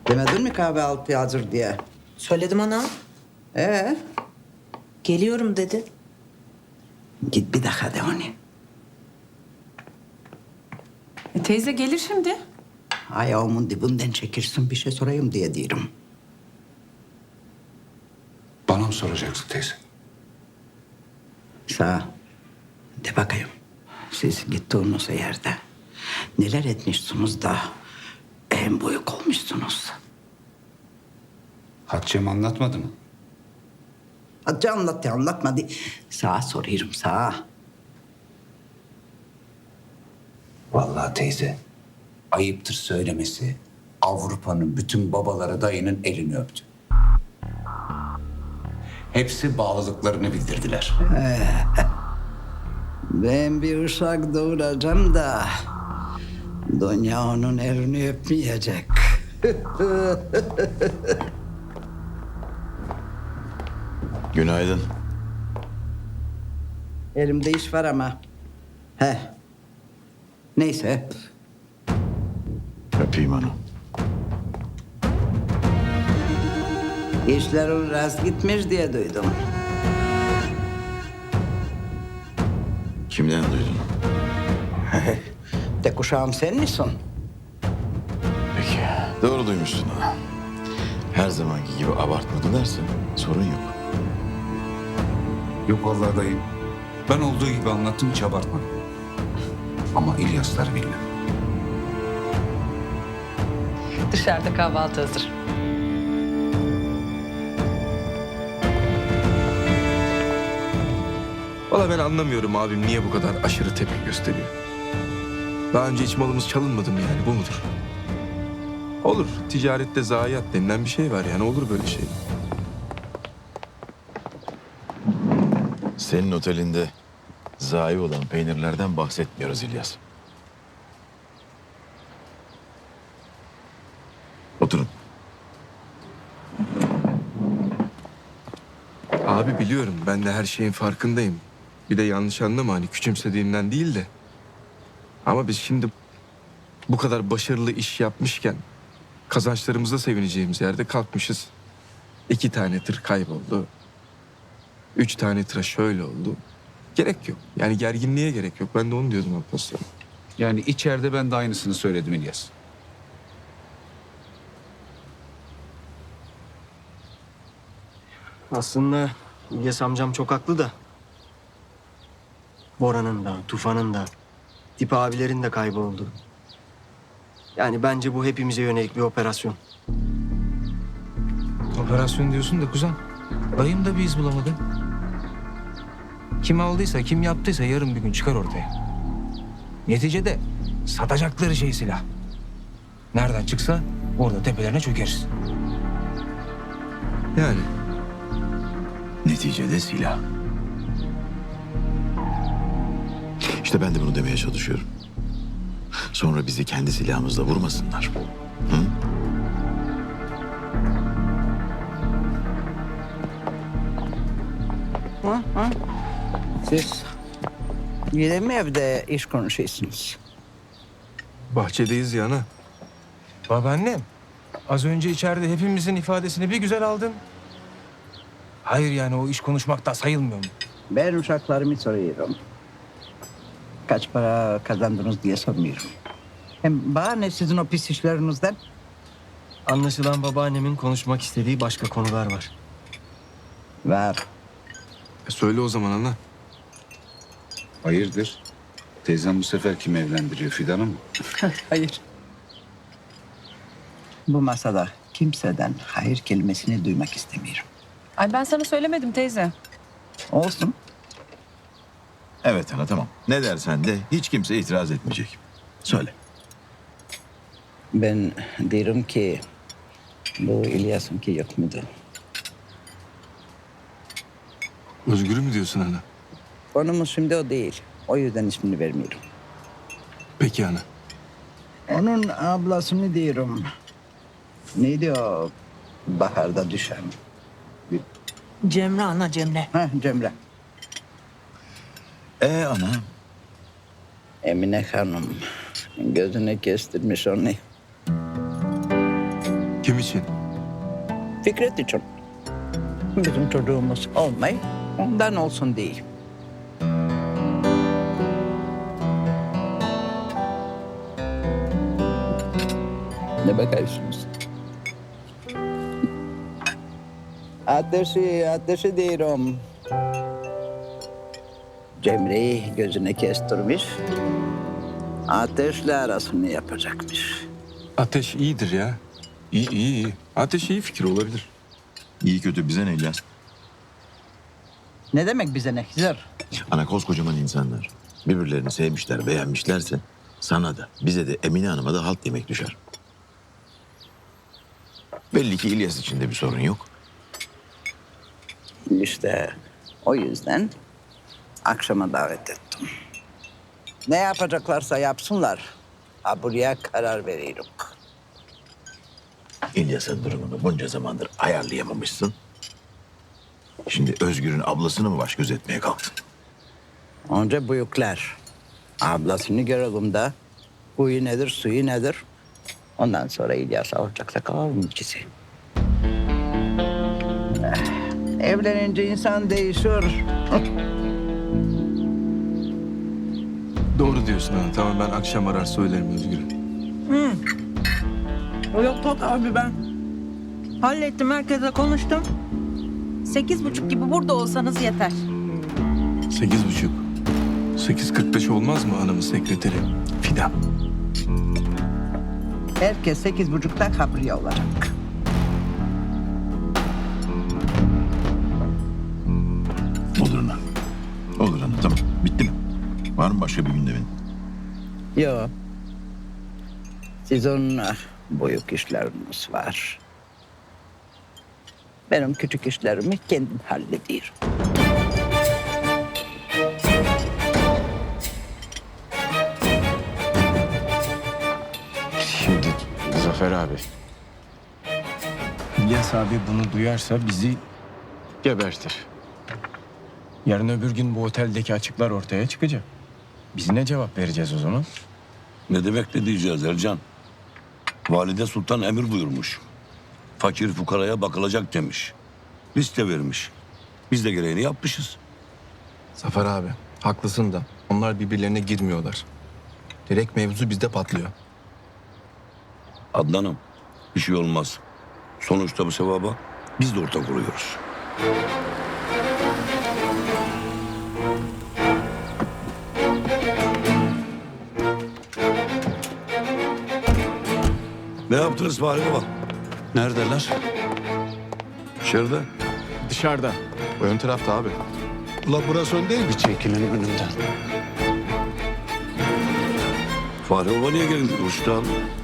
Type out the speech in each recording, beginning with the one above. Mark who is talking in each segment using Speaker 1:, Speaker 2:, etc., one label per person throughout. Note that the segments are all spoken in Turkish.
Speaker 1: Demedin mi kahvaltı hazır diye?
Speaker 2: Söyledim ana.
Speaker 1: Ee,
Speaker 2: Geliyorum dedi.
Speaker 1: git bir dakika de onu.
Speaker 3: Teyze gelir şimdi.
Speaker 1: Ayağımın dibinden çekirsin bir şey sorayım diye diyorum.
Speaker 4: Bana mı soracaksın teyze?
Speaker 1: Sağ de bakayım. Siz gittiğiniz yerde neler etmişsiniz da en büyük olmuşsunuz.
Speaker 4: Hatice'm anlatmadı mı?
Speaker 1: Hadi anlat ya anlatmadı. Sağa soruyorum sağa.
Speaker 4: Vallahi teyze, ayıptır söylemesi. Avrupa'nın bütün babaları dayının elini öptü. Hepsi bağlılıklarını bildirdiler.
Speaker 1: Ben bir uşak doğuracağım da dünya onun elini öpmeyecek.
Speaker 5: Günaydın.
Speaker 1: Elimde iş var ama. He. Neyse.
Speaker 5: Öpeyim onu.
Speaker 1: İşlerin rast gitmiş diye duydum.
Speaker 5: Kimden duydun?
Speaker 1: Tek uşağım sen misin?
Speaker 5: Peki. Doğru duymuşsun ha. Her zamanki gibi abartmadı dersen sorun yok.
Speaker 4: Yok vallahi dayı. Ben olduğu gibi anlattım, hiç abartmadım. Ama İlyaslar bilmem.
Speaker 3: Dışarıda kahvaltı hazır.
Speaker 6: Valla ben anlamıyorum abim niye bu kadar aşırı tepki gösteriyor. Daha önce hiç malımız çalınmadı mı yani, bu mudur? Olur, ticarette zayiat denilen bir şey var yani, olur böyle şey.
Speaker 5: Senin otelinde zayi olan peynirlerden bahsetmiyoruz İlyas. Oturun.
Speaker 6: Abi biliyorum, ben de her şeyin farkındayım. Bir de yanlış anlama, hani küçümsediğimden değil de. Ama biz şimdi bu kadar başarılı iş yapmışken kazançlarımıza sevineceğimiz yerde kalkmışız. 2 tane tır kayboldu. 3 tane tıra şöyle oldu. Gerek yok. Yani gerginliğe gerek yok. Ben de onu diyordum Alparslan.
Speaker 4: Yani içeride ben de aynısını söyledim İlyas.
Speaker 7: Aslında İlyas amcam çok haklı da. Bora'nın da, Tufan'ın da, Tip abilerin de kayboldu. Yani bence bu hepimize yönelik bir operasyon.
Speaker 8: Operasyon diyorsun da kuzen. Dayım da bir iz bulamadı. Kim aldıysa, kim yaptıysa yarın bir gün çıkar ortaya. Neticede satacakları şey silah. Nereden çıksa orada tepelerine çökeriz.
Speaker 6: Yani
Speaker 5: Neticede silah. İşte ben de bunu demeye çalışıyorum. Sonra bizi kendi silahımızla vurmasınlar. Hı?
Speaker 1: Siz yine mi evde iş konuşuyorsunuz?
Speaker 6: bahçedeyiz ya ana.
Speaker 8: Babaannem, az önce içeride hepimizin ifadesini bir güzel aldın. Hayır yani o iş konuşmakta sayılmıyor mu?
Speaker 1: Ben uşaklarımı soruyorum. Kaç para kazandınız diye sormuyorum. Hem bana ne sizin o pis işlerinizden?
Speaker 7: Anlaşılan babaannemin konuşmak istediği başka konular var.
Speaker 1: Var.
Speaker 6: Söyle o zaman ana.
Speaker 4: Hayırdır? Teyzem bu sefer kim evlendiriyor, Fidan'ı mı?
Speaker 1: Hayır. Bu masada kimseden hayır kelimesini duymak istemiyorum.
Speaker 3: Ay ben sana söylemedim teyze.
Speaker 1: Olsun.
Speaker 5: Evet ana tamam. Ne dersen de hiç kimse itiraz etmeyecek. Söyle.
Speaker 1: Ben diyorum ki bu İlyas'ınki yok mudur?
Speaker 6: Özgür'ü mü diyorsun ana?
Speaker 1: Konumuz şimdi o değil. O yüzden ismini vermiyorum.
Speaker 6: Peki ana.
Speaker 1: Onun ablasını diyorum. Neydi o baharda düşen?
Speaker 2: Cemre ana Cemre.
Speaker 1: Cemre.
Speaker 5: Ana?
Speaker 1: Emine Hanım gözüne kestirmiş onu.
Speaker 6: Kim için?
Speaker 1: Fikret için. Bizim çocuğumuz olmayı ondan olsun değil. Ne bakıyorsunuz? Ateşi diyorum. Cemre'yi gözüne kestirmiş. Ateşle arasını yapacakmış.
Speaker 6: Ateş iyidir ya. İyi. Ateş iyi fikir olabilir.
Speaker 5: İyi kötü bize ne İlyas?
Speaker 1: Ne demek bize ne Hızır?
Speaker 5: Ana koskocaman insanlar. Birbirlerini sevmişler, beğenmişlerse sana da, bize de, Emine Hanım'a da halt yemek düşer. Belli ki İlyas için de bir sorun yok.
Speaker 1: İşte o yüzden akşama davet ettim. Ne yapacaklarsa yapsınlar. Ha buraya karar veriyorum.
Speaker 5: İlyas'ın durumunu bunca zamandır ayarlayamamışsın. Şimdi Özgür'ün ablasını mı baş göz etmeye kalktın?
Speaker 1: Önce büyükler. Ablasını görelim de huyu nedir, suyu nedir? Ondan sonra İlyas alacaksa kalalım ikisi. Evlenince insan değişiyor.
Speaker 6: Doğru diyorsun ha. Tamam ben akşam arar söylerim Özgür'e.
Speaker 2: Yok abi ben. Hallettim, herkese konuştum. 8.30 gibi burada olsanız yeter.
Speaker 6: 8.30. 8.45 olmaz mı hanımın sekreteri? Fidan.
Speaker 1: Herkes 8.30'da kabriye olacak.
Speaker 5: Olur ana. Olur ana, tamam. Bitti mi? Var mı başka bir gündemin?
Speaker 1: Yok. Sizin büyük işleriniz var. Benim küçük işlerimi kendim hallediyorum.
Speaker 9: Şimdi Zafer abi.
Speaker 8: İlyas abi bunu duyarsa bizi
Speaker 9: Gebertir.
Speaker 8: yarın öbür gün bu oteldeki açıklar ortaya çıkacak. Biz ne cevap vereceğiz o zaman?
Speaker 10: Ne demek ne diyeceğiz Ercan? Valide Sultan emir buyurmuş. Fakir fukaraya bakılacak demiş. Liste vermiş. Biz de gereğini yapmışız.
Speaker 6: Zafer abi haklısın da onlar birbirlerine girmiyorlar. Direkt mevzu bizde patlıyor.
Speaker 10: Adnan'ım bir şey olmaz. Sonuçta bu sevaba biz de ortak oluyoruz. Ne yaptınız Fahri Baba? Neredeler? İçeride.
Speaker 9: Dışarıda.
Speaker 6: Ön tarafta abi.
Speaker 10: Ula burası ön değil mi?
Speaker 9: Bir çekilin önümden.
Speaker 10: Fahri Baba niye geldi? Uçtan.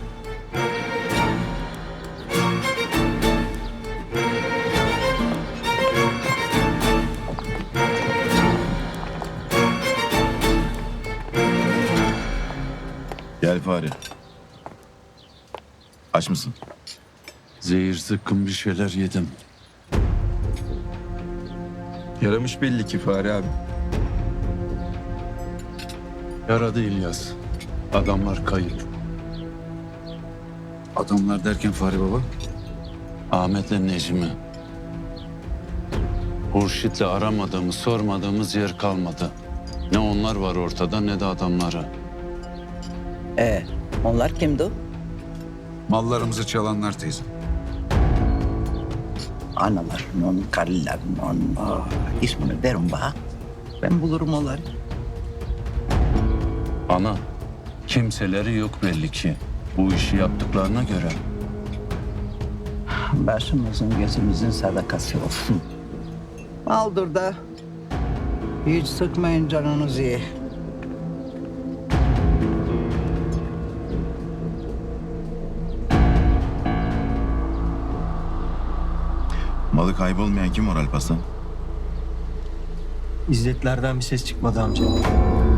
Speaker 5: Gel Fahri. Aç mısın?
Speaker 10: Zehir zıkkım bir şeyler yedim.
Speaker 6: Yaramış belli ki Fahri abi.
Speaker 10: Yaradı İlyas. Adamlar kayıp.
Speaker 4: Adamlar derken Fahri Baba?
Speaker 10: Ahmet'le Necmi. Hurşit'le aramadığımız, sormadığımız yer kalmadı. Ne onlar var ortada ne de adamları.
Speaker 1: Onlar kimdi?
Speaker 4: Mallarımızı çalanlar teyze.
Speaker 1: Analarının, karılarının ismini verin bana. Ben bulurum onları.
Speaker 10: Ana, kimseleri yok belli ki. Bu işi yaptıklarına göre.
Speaker 1: Başımızın gözümüzün sadakası olsun. Aldır da hiç sıkmayın canınızı.
Speaker 5: Malı kaybolmayan kim var Alparslan?
Speaker 7: İzzetlerden bir ses çıkmadı amca.